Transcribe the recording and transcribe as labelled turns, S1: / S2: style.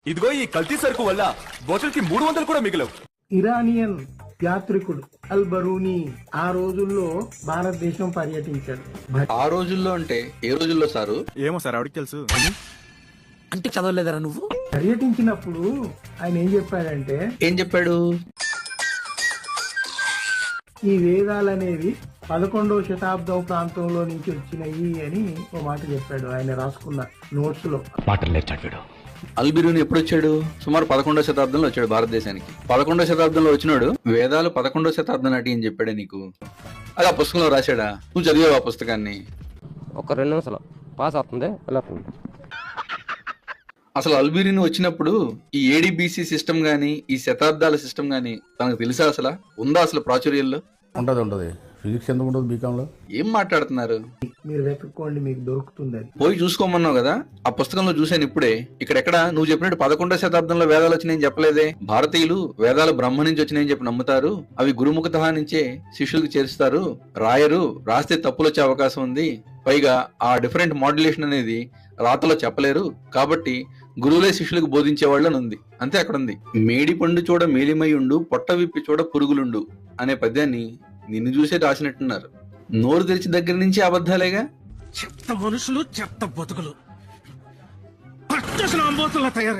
S1: ఇదిగో ఈ కల్తీ సరుకు వల్ల బాటిల్ కి 300 కూడా మిగిలవు.
S2: ఇరానియన్ యాత్రికుడు అల్ బరూని ఆ రోజుల్లో భారతదేశం పర్యటించాడు.
S3: ఆ రోజుల్లో అంటే ఏ రోజుల్లో సారు?
S1: ఏమో సార్, ఆవిడకి తెలుసు.
S4: అంటే చదవలేదరా నువ్వు?
S2: పర్యటించినప్పుడు ఆయన ఏం చెప్పాడంటే,
S3: ఏం చెప్పాడు?
S2: ఈ వేదాలనేవి 11వ శతాబ్దం ప్రాంతంలో నుంచి వచ్చినాయి అని ఒక మాట చెప్పాడు ఆయన రాసుకున్న నోట్స్ లో.
S3: అల్బిరూని ఎప్పుడు వచ్చాడు? సుమారు 11వ శతాబ్దంలో వచ్చాడు భారతదేశానికి. 11వ శతాబ్దంలో వచ్చినాడు వేదాలు 11వ శతాబ్దం నాటి అని చెప్పాడే నీకు? అది ఆ పుస్తకంలో రాశాడా? నువ్వు చదివావు ఆ పుస్తకాన్ని?
S5: ఒక 2 నిమిషాలు పాస్ అవుతుంది.
S3: అసలు అల్బిరూని వచ్చినప్పుడు ఈ ఏడిబిసి సిస్టమ్ గానీ ఈ శతాబ్దాల సిస్టమ్ గానీ తనకు తెలుసా? అసలు ఉందా అసలు ప్రాచుర్యంలో?
S6: ఉంటది. ఫిజిక్స్ ఎందుకు ఉండదు బీకామ్ లో?
S3: ఏం మాట్లాడుతున్నారు?
S2: మీరు వెతుక్కోండి, మీకు దొరుకుతుంది. అది
S3: పోయి చూసుకోమన్నావు కదా, ఆ పుస్తకంలో చూశాను ఇప్పుడే. ఇక్కడెక్కడ నువ్వు చెప్పినట్టు 11వ శతాబ్దంలో వేదాలు వచ్చినాయని చెప్పలేదే. భారతీయులు వేదాలు బ్రహ్మ నుంచి వచ్చినాయని చెప్పి నమ్ముతారు. అవి గురుముఖత నుంచే శిష్యులకు చేరుస్తారు. రాయరు, రాస్తే తప్పులు వచ్చే అవకాశం ఉంది. పైగా ఆ డిఫరెంట్ మాడ్యులేషన్ అనేది రాతలో చెప్పలేరు. కాబట్టి గురువులే శిష్యులకు బోధించేవాళ్ళు అని ఉంది. అంతే అక్కడ ఉంది. మేడి పండు చూడ మేలిమయుండు, పొట్ట విప్పి చూడ పురుగులుండు అనే పద్యాన్ని నిన్ను చూసే రాసినట్టున్నారు. నోరు తెరిచి దగ్గర నుంచి అబద్ధాలేగా.
S4: చెత్త మనుషులు, చెత్త బతుకులు, పచ్చసిన అంబోతుల్లా తయారు.